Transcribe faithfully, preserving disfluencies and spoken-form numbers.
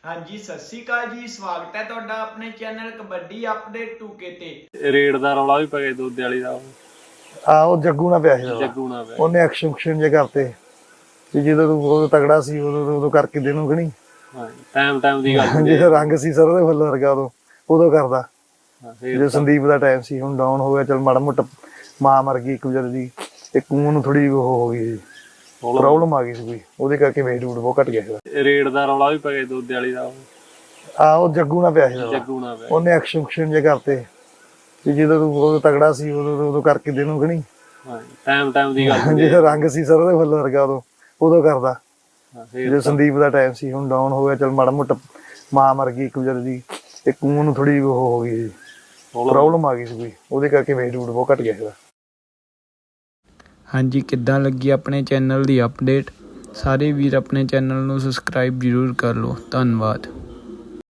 हाँ जी सत श्री अकाल जी, स्वागत है तुहाडा अपने चैनल कबड्डी अपडेट टू के ते। ਰੇਡ ਦਾ ਰੌਲਾ ਵੀ ਪੈ ਗਿਆ ਦੋਦੇ ਵਾਲੀ ਦਾ। ਆ ਉਹ ਜੱਗੂ ਨਾਲ ਪਿਆ ਸੀ ਰੌਲਾ। ਜੱਗੂ ਨਾਲ ਪਿਆ। ਉਹਨੇ ਐਕਸ਼ਨ ਐਕਸ਼ਨ ਜੇ ਕਰਤੇ ਵੀ ਜਦੋਂ ਤੂੰ ਉਦੋਂ ਤਗੜਾ ਸੀ ਉਦੋਂ ਉਦੋਂ ਕਰਕੇ ਦੇਣੂ ਖਣੀ। ਹਾਂ ਟਾਈਮ ਟਾਈਮ ਦੀ ਗੱਲ ਜਿਹੜਾ ਰੰਗ ਸੀ ਸਰ ਉਹਦੇ ਫੁੱਲ ਵਰਗਾ ਉਦੋਂ ਉਦੋਂ ਕਰਦਾ। ਫੇਰ ਜੋ ਸੰਦੀਪ ਦਾ ਟਾਈਮ ਸੀ ਹੁਣ ਡਾਊਨ ਹੋ ਗਿਆ। ਚਲ ਮਾੜਾ ਮੋਟਾ ਮਾਂ ਮਰ ਗਈ ਇੱਕ ਵਜੇ ਦੀ ਤੇ ਕੂਨ ਨੂੰ ਥੋੜੀ ਉਹ ਹੋ ਗਈ ਪ੍ਰੋਬਲਮ ਆ ਗਈ ਸੀ ਕੋਈ, ਉਹਦੇ ਕਰਕੇ ਵੇਟ ਵੂਟ ਬਹੁਤ ਘਟ ਗਿਆ ਸੀ। ਰੇਡ ਦਾ ਰੌਲਾ ਵੀ ਪੈ ਗਿਆ ਦੋਦੇ ਵਾਲੀ ਦਾ। ਆ ਉਹ ਜੱਗੂ ਨਾਲ ਪਿਆ ਸੀ ਰੌਲਾ। ਜੱਗੂ ਨਾਲ ਪਿਆ। ਉਹਨੇ ਐਕਸ਼ਨ ਐਕਸ਼ਨ ਜੇ ਕਰਤੇ ਵੀ ਜਦੋਂ ਤੂੰ ਉਦੋਂ ਤਗੜਾ ਸੀ ਉਦੋਂ ਉਦੋਂ ਕਰਕੇ ਦੇਣੂ ਖਣੀ। ਹਾਂ ਟਾਈਮ ਟਾਈਮ ਦੀ ਗੱਲ ਜਿਹੜਾ ਰੰਗ ਸੀ ਸਰ ਉਹਦੇ ਫੁੱਲ ਵਰਗਾ ਉਦੋਂ ਉਦੋਂ ਕਰਦਾ। ਜੋ ਸੰਦੀਪ ਦਾ ਟਾਈਮ ਸੀ ਹੁਣ ਡਾਊਨ ਹੋ ਗਿਆ। ਚਲ ਮਾੜਾ ਮੋਟਾ ਮਾਂ ਮਰ ਗਈ ਇੱਕ ਵਜੇ ਦੀ ਤੇ ਕੂਨ ਨੂੰ ਥੋੜੀ ਉਹ ਹੋ ਗਈ ਪ੍ਰੋਬਲਮ ਆ ਗਈ ਸੀ ਕੋਈ, ਉਹਦੇ ਕਰਕੇ ਵੇਟ ਵੂਟ ਬਹੁਤ ਘਟ ਗਿਆ ਸੀ। हाँ जी, किद्दां लगी अपने चैनल की अपडेट? सारे वीर अपने चैनल को सबसक्राइब जरूर कर लो। धन्यवाद।